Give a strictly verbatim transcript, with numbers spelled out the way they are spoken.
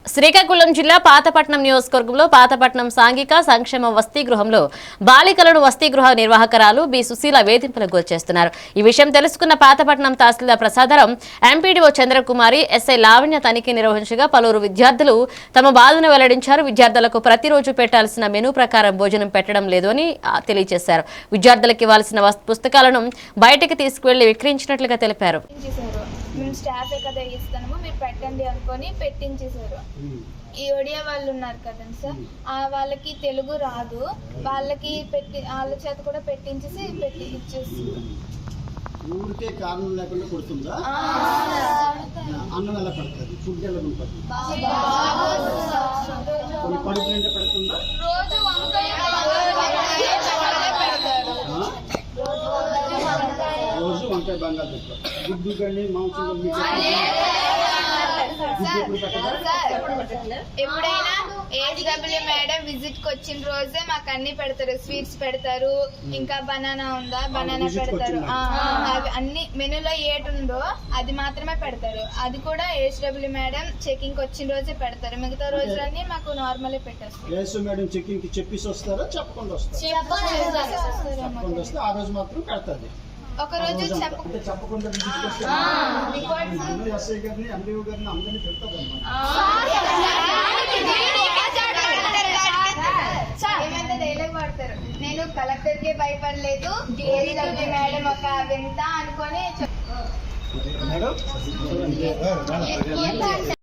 శ్రీకాకుళం జిల్లా పాతపట్నం నియోజకవర్గంలో పాతపట్నం సాంఘిక సంక్షేమ వసతి గృహంలో బాలికలను వసతి గృహ నిర్వాహకురాలు బి సుశీల వేధింపులకు గురిచేస్తున్నారు. ఈ విషయం తెలుసుకున్న పాతపట్నం తహసీల్దార్ ప్రసాదరం, ఎంపీడీఓ చంద్రకుమారి, ఎస్ఐ లావణ్య తనిఖీ నిర్వహించగా పలువురు విద్యార్థులు తమ బాధను వెల్లడించారు. విద్యార్థులకు ప్రతిరోజు పెట్టాల్సిన మెనూ ప్రకారం భోజనం పెట్టడం లేదు అని తెలియజేశారు. విద్యార్థులకు ఇవ్వాల్సిన పుస్తకాలను బయటకు తీసుకువెళ్లి విక్రయించినట్లుగా తెలిపారు. మేము స్టాఫ్ కదా ఇస్తాము, మీరు పెట్టండి అనుకొని పెట్టించేసారు. ఈ ఒడియా వాళ్ళు ఉన్నారు కదండి సార్, ఆ వాళ్ళకి తెలుగు రాదు, వాళ్ళకి పెట్టి వాళ్ళ చేత కూడా పెట్టించేసి పెట్టి ఇచ్చేసి ఊరికే కారణం లేకుండా కొడుతుందా? అన్నం ఎలా పెడతారు? ఫుడ్ ఎలా ఉంటుంది? కొన్ని కడుపు నిండా పెడుతుందా? రోజు వంకాయ రోజు వంకాయ బంగాళదుంప గుడ్డు కానీ మాంసం ఎప్పుడైనా ఏడబ్ల్యూ మేడం విజిట్ కి వచ్చిన రోజే మాకు అన్ని పెడతారు. స్వీట్స్ పెడతారు, ఇంకా బనానా ఉందా బనానా పెడతారు. అవి అన్ని మెనూలో ఏటి ఉందో అది మాత్రమే పెడతారు. అది కూడా ఏడబ్ల్యూ మేడం చెకింగ్ వచ్చిన రోజే పెడతారు. మిగతా రోజులన్నీ మాకు నార్మల్ పెట్టేస్తారు. ఏసు మేడం చెకింగ్ కి చెప్పేసి వస్తారా చెప్పకుండా వస్తారా? చెప్పకుండా వస్తే ఆ రోజు మాత్రం పెడతాది. ఒక రోజు చెప్పకుండా ఎస్ఐ గారిని ఎండిఓ గారిని అందరినీ పెడతారు ఏమంటే డైలాగ్ వాడతారు, నేను కలెక్టర్ కే భయపడలేదు, మేడం ఒక వింత అనుకొని మేడం